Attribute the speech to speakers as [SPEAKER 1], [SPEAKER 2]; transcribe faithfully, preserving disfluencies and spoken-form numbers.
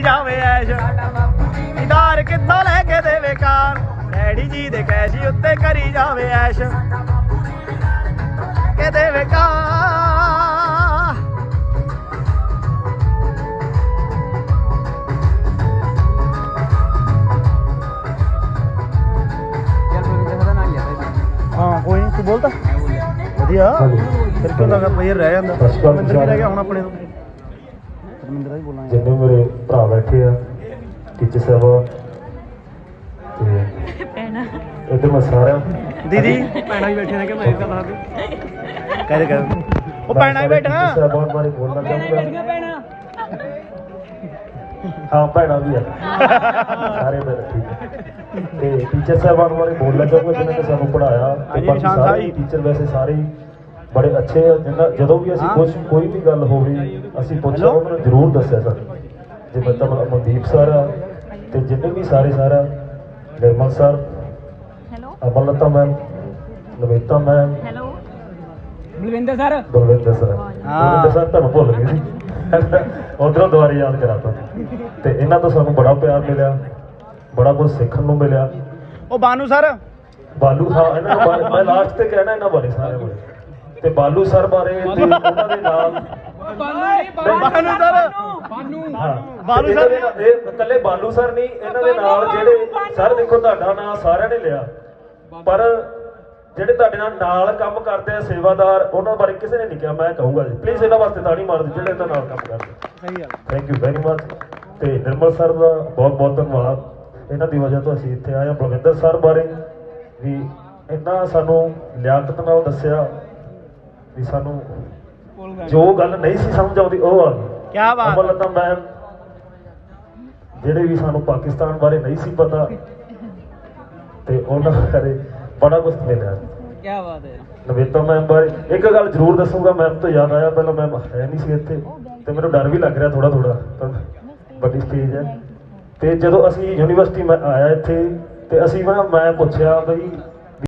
[SPEAKER 1] ਜਾਵੇ ਐਸ਼ ਇਦਾਰ ਕਿੱਦਾਂ ਲੈ ਕੇ ਦੇਵੇ ਕਾਰ ਡੈਡੀ ਜੀ ਦੇ ਕੈਸ਼ੀ ਉੱਤੇ ਕਰੀ ਜਾਵੇ ਐਸ਼ ਕੇ ਦੇਵੇ ਕਾਰ ਹਾਂ ਕੋਈ ਨਹੀਂ ਤੂੰ ਬੋਲਦਾ ਵਧੀਆ ਫਿਰ ਕਿਉਂ ਲੱਗਾ ਪਲੇਅਰ ਰਹਿ ਜਾਂਦਾ ਰਮਿੰਦਰ ਵੀ ਰਹਿ ਗਿਆ ਹੁਣ ਆਪਣੇ ਤੋਂ ਰਮਿੰਦਰ ਦਾ ਹੀ ਬੋਲਾਂ
[SPEAKER 2] ਜਿੰਨੇ ਮੇਰੇ ਭਰਾ ਬੈਠੇ ਆ ਟੀਚਰ ਸਾਹਿਬ ਤੇ ਭੈਣਾ ਇੱਧਰ ਮੈਂ ਸਾਰਿਆਂ
[SPEAKER 1] ਦੀਦੀ ਭੈਣਾਂ ਵੀ ਬੈਠੇ ਨੇ ਕਿ ਮੈਂ ਇੱਕ ਗੱਲ ਦੱਸ ਕਹਿ ਕਹਿ ਉਹ ਭੈਣਾਂ ਹੀ ਬੈਠਾ
[SPEAKER 2] ਟੀਚਰ ਸਾਹਿਬ ਬਾਰੇ ਬੋਲਣਾ ਚਾਹੂੰਗਾ ਹਾਂ ਭੈਣਾਂ ਵੀ ਆ ਸਾਰੇ ਮੇਰੇ ਠੀਕ ਤੇ ਟੀਚਰ ਸਾਹਿਬਾਨ ਬਾਰੇ ਬੋਲਣਾ ਚਾਹੂੰਗਾ ਜਿਨ੍ਹਾਂ ਨੇ ਸਾਨੂੰ ਪੜ੍ਹਾਇਆ ਤੇ ਬਾਕੀ ਸਾਰੇ ਟੀਚਰ ਵੈਸੇ ਸਾਰੇ ਬੜੇ ਅੱਛੇ ਆ ਜਿੰਨਾ ਜਦੋਂ ਵੀ ਅਸੀਂ ਕੁਝ ਕੋਈ ਵੀ ਗੱਲ ਹੋਵੇ ਅਸੀਂ ਪੁੱਛਿਆ ਉਹਨਾਂ ਨੇ ਜ਼ਰੂਰ ਦੱਸਿਆ ਸਾਨੂੰ ਜਿਵੇਂ ਤਾਂ ਮਨਦੀਪ ਸਰ ਆ ਤੇ ਜਿੰਨੇ ਵੀ ਸਾਰੇ ਸਾਰਾ Nirmal sir Amlata ma'am Naveta ma'am
[SPEAKER 3] Balwinder sir
[SPEAKER 2] Balwinder sir Balwinder sir ਤੁਹਾਨੂੰ ਭੁੱਲ ਗਏ ਸੀ ਉਧਰੋਂ ਦੁਬਾਰਾ ਯਾਦ ਕਰਾਤਾ ਤੇ ਇਹਨਾਂ ਤੋਂ ਸਾਨੂੰ ਬੜਾ ਪਿਆਰ ਮਿਲਿਆ ਬੜਾ ਕੁਝ ਸਿੱਖਣ ਨੂੰ ਮਿਲਿਆ
[SPEAKER 1] ਉਹ ਬਾਨੂ ਸਰ
[SPEAKER 2] ਬਾਲੂ ਹਾਂ ਇਹਨਾਂ ਨੂੰ ਮੈਂ ਲਾਸਟ ਤੇ ਕਹਿਣਾ ਇਹਨਾਂ ਬਾਰੇ ਸਾਰੇ ਬਾਰੇ ਤੇ ਬਾਲੂ ਸਰ ਬਾਰੇ ਤੇ ਉਹਨਾਂ ਦੇ ਨਾਲ
[SPEAKER 1] ਬਾਨੂ ਸਰ
[SPEAKER 3] ਬਾਨੂ
[SPEAKER 2] ਹਾਂ
[SPEAKER 1] ਬਾਲੂ ਸਰ
[SPEAKER 2] ਇਹ ਇਕੱਲੇ ਬਾਲੂ ਸਰ ਨਹੀਂ ਇਹਨਾਂ ਦੇ ਨਾਲ ਜਿਹੜੇ ਸਰ ਦੇਖੋ ਤੁਹਾਡਾ ਨਾਂ ਸਾਰਿਆਂ ਨੇ ਲਿਆ ਪਰ ਜਿਹੜੇ ਤੁਹਾਡੇ ਨਾਲ ਨਾਲ ਕੰਮ ਕਰਦੇ ਆ ਸੇਵਾਦਾਰ ਉਹਨਾਂ ਬਾਰੇ ਕਿਸੇ ਨੇ ਨਹੀਂ ਕਿਹਾ ਮੈਂ ਕਹੂੰਗਾ ਜੀ ਪਲੀਜ਼ ਇਹਨਾਂ ਵਾਸਤੇ ਤਾੜੀ ਮਾਰ ਦਿਓ ਜਿਹੜੇ ਇਹਨਾਂ ਨਾਲ ਕੰਮ ਕਰਦੇ
[SPEAKER 1] ਸਹੀ ਗੱਲ
[SPEAKER 2] ਥੈਂਕ ਯੂ ਵੈਰੀ ਮਚ ਤੇ ਨਿਰਮਲ ਸਰ ਦਾ ਬਹੁਤ ਬਹੁਤ ਧੰਨਵਾਦ ਇਹਨਾਂ ਦੀ ਵਜ੍ਹਾ ਤੋਂ ਅਸੀਂ ਇੱਥੇ ਆਏ ਹਾਂ ਬਲਵਿੰਦਰ ਸਰ ਬਾਰੇ ਵੀ ਇੰਨਾ ਸਾਨੂੰ ਲਿਆਕਤ ਨਾਲ ਦੱਸਿਆ ਵੀ ਸਾਨੂੰ ਜੋ ਗੱਲ ਨਹੀਂ ਸੀ ਸਮਝ ਆਉਂਦੀ ਉਹ ਆ ਗਈ
[SPEAKER 1] ਕੀ ਬਾਤ
[SPEAKER 2] ਅਮਲਤਾ ਮੈਮ ਜਿਹੜੇ ਵੀ ਸਾਨੂੰ ਪਾਕਿਸਤਾਨ ਬਾਰੇ ਨਹੀਂ ਸੀ ਪਤਾ ਤੇ ਉਹਨਾਂ ਬਾਰੇ ਬੜਾ ਕੁਝ ਮਿਲਿਆ
[SPEAKER 3] ਕੀ ਬਾਤ ਹੈ
[SPEAKER 2] ਨਵੇਤਾ ਮੈਮ ਬਾਰੇ ਇੱਕ ਗੱਲ ਜ਼ਰੂਰ ਦੱਸੂਗਾ ਮੈਮ ਤੋਂ ਯਾਦ ਆਇਆ ਪਹਿਲਾਂ ਮੈਮ ਹੈ ਨਹੀਂ ਸੀ ਇੱਥੇ ਤੇ ਮੈਨੂੰ ਡਰ ਵੀ ਲੱਗ ਰਿਹਾ ਥੋੜਾ ਥੋੜਾ ਪਰ ਵੱਡੀ ਸਟੇਜ ਹੈ ਤੇ ਜਦੋਂ ਅਸੀਂ ਯੂਨੀਵਰਸਿਟੀ ਮੈਂ ਆਇਆ ਇੱਥੇ ਤੇ ਅਸੀਂ ਮੈਂ ਮੈਂ ਪੁੱਛਿਆ ਬਈ